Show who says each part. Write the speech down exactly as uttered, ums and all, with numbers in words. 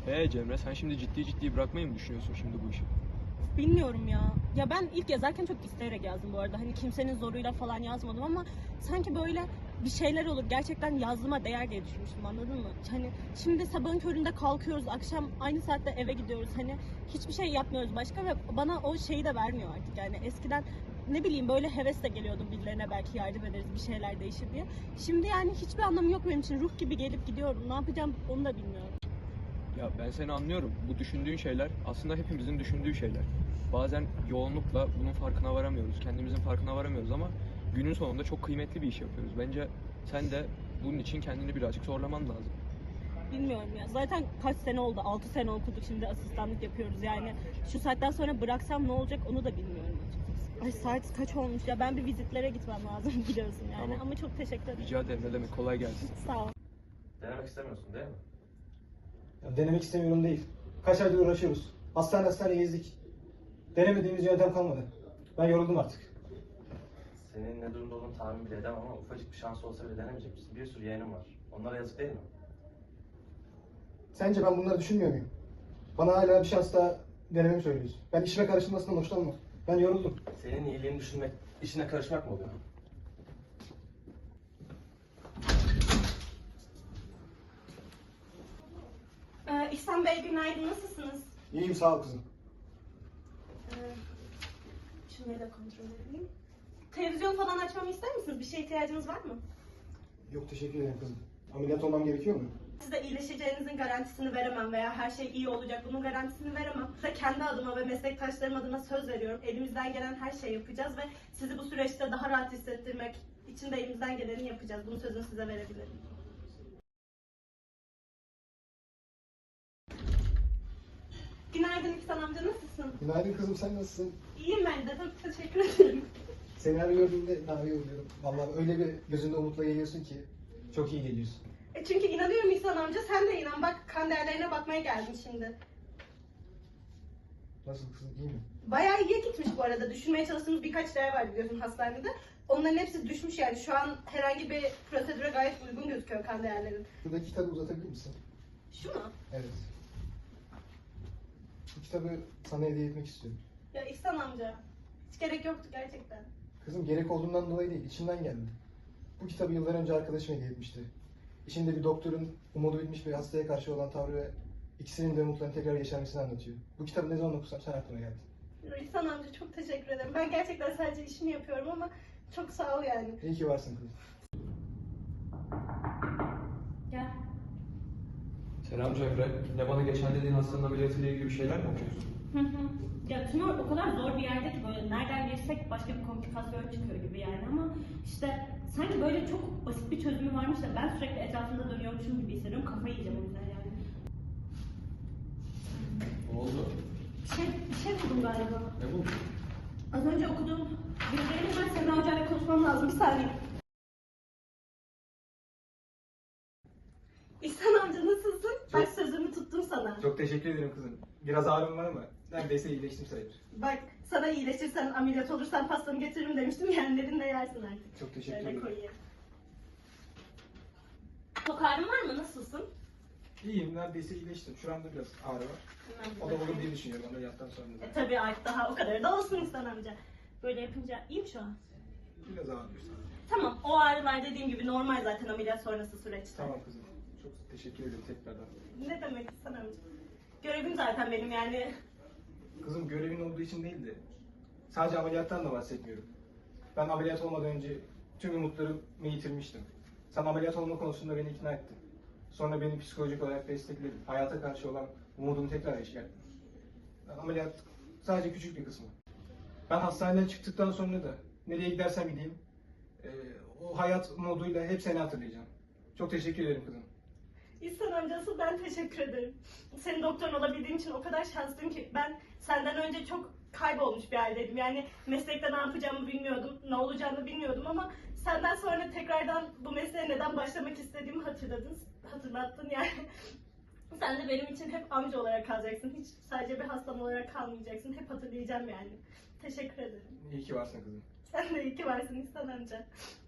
Speaker 1: Ee Cemre, sen şimdi ciddi ciddi bırakmayı mı düşünüyorsun şimdi bu işi?
Speaker 2: Bilmiyorum ya. Ya ben ilk yazarken çok isteyerek yazdım bu arada. Hani kimsenin zoruyla falan yazmadım ama sanki böyle bir şeyler olur. Gerçekten yazdığıma değer diye düşünmüştüm, anladın mı? Hani şimdi sabahın köründe kalkıyoruz, akşam aynı saatte eve gidiyoruz. Hani hiçbir şey yapmıyoruz başka ve bana o şeyi de vermiyor artık. Yani eskiden ne bileyim böyle hevesle geliyordum birilerine, belki yardım ederiz, bir şeyler değişir diye. Şimdi yani hiçbir anlamı yok benim için. Ruh gibi gelip gidiyorum. Ne yapacağım onu da bilmiyorum.
Speaker 1: Ya ben seni anlıyorum. Bu düşündüğün şeyler aslında hepimizin düşündüğü şeyler. Bazen yoğunlukla bunun farkına varamıyoruz. Kendimizin farkına varamıyoruz ama günün sonunda çok kıymetli bir iş yapıyoruz. Bence sen de bunun için kendini birazcık zorlaman lazım.
Speaker 2: Bilmiyorum ya. Zaten kaç sene oldu? altı sene okuduk, şimdi asistanlık yapıyoruz. Yani şu saatten sonra bıraksam ne olacak onu da bilmiyorum açıkçası. Ay saat kaç olmuş ya? Ben bir vizitlere gitmem lazım biliyorsun yani.
Speaker 1: Tamam.
Speaker 2: Ama çok teşekkür ederim.
Speaker 1: Rica ederim, ne demek, kolay gelsin.
Speaker 2: Sağ ol.
Speaker 3: Denemek istemiyorsun değil mi?
Speaker 4: Ya denemek istemiyorum değil. Kaç aydır uğraşıyoruz. Hastane hastane gezdik. Denemediğimiz yöntem kalmadı. Ben yoruldum artık.
Speaker 3: Senin ne durumda olduğunu tahmin bile edemem ama ufacık bir şans olsa bile denemeyecek misin? Bir sürü yeğenim var. Onlara yazık değil mi?
Speaker 4: Sence ben bunları düşünmüyor muyum? Bana hala bir şans daha denememi söylüyorsun. Ben işime karışılmasından hoşlanmam. Ben yoruldum.
Speaker 3: Senin iyiliğini düşünmek, işine karışmak mı oluyor?
Speaker 2: Ee, İhsan Bey günaydın, nasılsınız?
Speaker 4: İyiyim, sağ ol kızım.
Speaker 2: Ee, şunları da kontrol edeyim. Televizyon falan açmamı ister misiniz? Bir şeye ihtiyacınız var mı?
Speaker 4: Yok, teşekkür ederim kızım. Ameliyat olmam gerekiyor mu?
Speaker 2: Size iyileşeceğinizin garantisini veremem veya her şey iyi olacak bunun garantisini veremem. Size kendi adıma ve meslektaşlarım adına söz veriyorum. Elimizden gelen her şeyi yapacağız ve sizi bu süreçte daha rahat hissettirmek için de elimizden geleni yapacağız. Bunun sözünü size verebilirim. Günaydın İhsan amca, nasılsın?
Speaker 4: Günaydın kızım, sen nasılsın?
Speaker 2: İyiyim ben de, çok teşekkür ederim.
Speaker 4: Seni her gördüğümde daha iyi oluyorum. Vallahi öyle bir gözünde umutla geliyorsun ki çok iyi geliyorsun.
Speaker 2: E çünkü inanıyorum İhsan amca, sen de inan. Bak, kan değerlerine bakmaya geldim şimdi.
Speaker 4: Nasıl kızım, iyi mi?
Speaker 2: Bayağı iyiye gitmiş bu arada. Düşürmeye çalıştığımız birkaç değer var biliyorsun hastanede. Onların hepsi düşmüş yani. Şu an herhangi bir prosedüre gayet uygun gözüküyor kan değerlerin.
Speaker 4: Şuradaki kitabı uzatabilir misin?
Speaker 2: Şu mu?
Speaker 4: Evet. Bu kitabı sana hediye etmek istiyorum.
Speaker 2: Ya İhsan amca, hiç gerek yoktu gerçekten.
Speaker 4: Kızım, gerek olduğundan dolayı değil, içimden geldi. Bu kitabı yıllar önce arkadaşım hediye etmişti. İçinde bir doktorun umudu bitmiş bir hastaya karşı olan tavrı ve ikisinin de umutlarını tekrar yeşermesini anlatıyor. Bu kitabı ne zaman okusam sen aklıma geldin.
Speaker 2: Ya İhsan amca, çok teşekkür ederim. Ben gerçekten sadece işimi yapıyorum ama çok sağ ol yani.
Speaker 4: İyi ki varsın kızım.
Speaker 2: Gel.
Speaker 1: Selam Cemre. Ne bana geçen dediğin hastanın ameliyatıyla ilgili bir şeyler mi okuyorsun?
Speaker 2: Hı hı. Ya tümör o kadar zor bir yerde ki böyle nereden girsek başka bir komplikasyon çıkıyor gibi yani ama işte sanki böyle çok basit bir çözümü varmış da ben sürekli etrafında dönüyormuşum gibi hissediyorum. Kafayı yiyeceğim o yüzden yani.
Speaker 1: Ne oldu?
Speaker 2: Bir şey, bir şey buldum galiba.
Speaker 1: Ne bu?
Speaker 2: Az önce okuduğum bilgilerini ben Semra Hoca'yla konuşmam lazım. Bir saniye. İhsan amca, nasılsın? Bak, sözümü tuttum sana.
Speaker 4: Çok teşekkür ederim kızım. Biraz ağrım var ama neredeyse iyileştim sayılır.
Speaker 2: Bak, sana iyileşirsen, ameliyat olursan pastanı getiririm demiştim. Yenlerini de yersin artık.
Speaker 4: Çok teşekkür
Speaker 2: Şöyle
Speaker 4: ederim.
Speaker 2: koyayım. Çok ağrın var mı? Nasılsın?
Speaker 4: İyiyim, neredeyse iyileştim. Şu anda biraz ağrı var.
Speaker 2: Hemen
Speaker 4: O da olur
Speaker 2: bakayım.
Speaker 4: diye düşünüyorum ameliyattan sonra.
Speaker 2: E, tabii artık daha o kadar da olsun İhsan amca. Böyle yapınca iyi mi şu an?
Speaker 4: Biraz ağrıyor sadece.
Speaker 2: Tamam, o ağrılar dediğim gibi normal zaten ameliyat sonrası süreçte.
Speaker 4: Tamam kızım. Çok teşekkür ederim tekrardan.
Speaker 2: Ne demek İhsan amca? Görevim zaten benim yani.
Speaker 4: Kızım, görevin olduğu için değil de sadece ameliyattan da bahsetmiyorum. Ben ameliyat olmadan önce tüm umutlarımı yitirmiştim. Sen ameliyat olma konusunda beni ikna ettin. Sonra beni psikolojik olarak destekledin. Hayata karşı olan umudumu tekrar yeşerdin. Ben ameliyat sadece küçük bir kısmı. Ben hastaneden çıktıktan sonra da nereye gidersem gideyim eee, o hayat moduyla hep seni hatırlayacağım. Çok teşekkür ederim kızım.
Speaker 2: İhsan amcası, ben teşekkür ederim. Senin doktorun olabildiğim için o kadar şanslıyım ki ben senden önce çok kaybolmuş bir haldeydim. Yani meslekte ne yapacağımı bilmiyordum, ne olacağını bilmiyordum ama senden sonra tekrardan bu mesleğe neden başlamak istediğimi hatırladın, hatırlattın yani. Sen de benim için hep amca olarak kalacaksın. Hiç sadece bir hastam olarak kalmayacaksın. Hep hatırlayacağım yani. Teşekkür ederim.
Speaker 4: İyi ki varsın kızım.
Speaker 2: Sen de iyi ki varsın İhsan amca.